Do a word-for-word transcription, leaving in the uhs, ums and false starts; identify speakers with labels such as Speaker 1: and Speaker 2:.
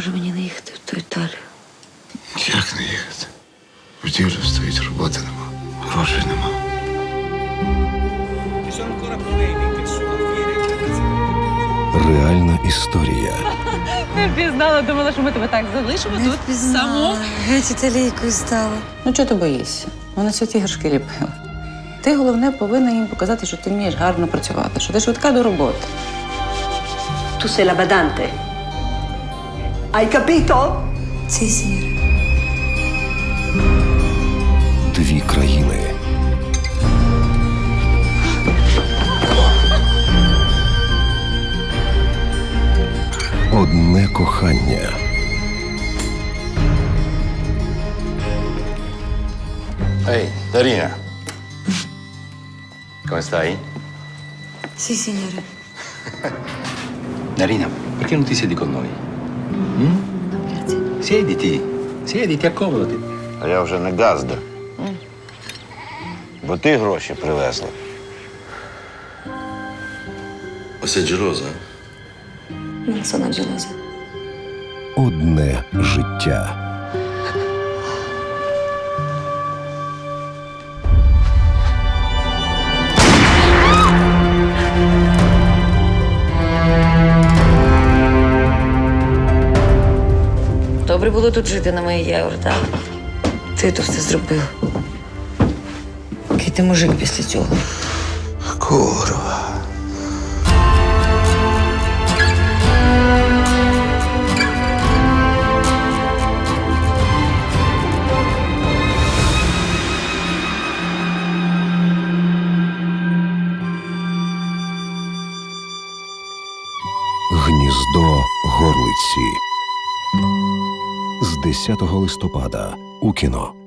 Speaker 1: Може мені не їхати в ту Італію?
Speaker 2: Як не їхати? В ділі стоїть, роботи нема, грошей нема.
Speaker 3: Реальна історія.
Speaker 4: Не впізнала, думала, що ми тебе так залишимо тут саму.
Speaker 1: Геть італійкою стала.
Speaker 4: Ну, чого ти боїшся? Вони святі горшки ліпили. Ти, головне, повинна їм показати, що ти вмієш гарно працювати, що ти швидка до роботи.
Speaker 5: Tu sei la badante. Hai capito?
Speaker 1: Ці сіре.
Speaker 3: Дві країни. Одне кохання.
Speaker 6: Ehi, Darina. Come stai?
Speaker 1: Сі, сіньоре.
Speaker 6: Darina, perché non ti siedi con noi? Mm? Siediti, siediti, accomodati.
Speaker 7: А я вже не газда. Бо ти гроші привезла.
Speaker 6: Ma sei gelosa?
Speaker 1: Non sono gelosa.
Speaker 3: Одне життя.
Speaker 1: Добре було тут жити на моїй євро, так? Ти то все зробив. Який ти мужик після цього?
Speaker 2: Курва.
Speaker 3: Гніздо горлиці. З десятого листопада у кіно.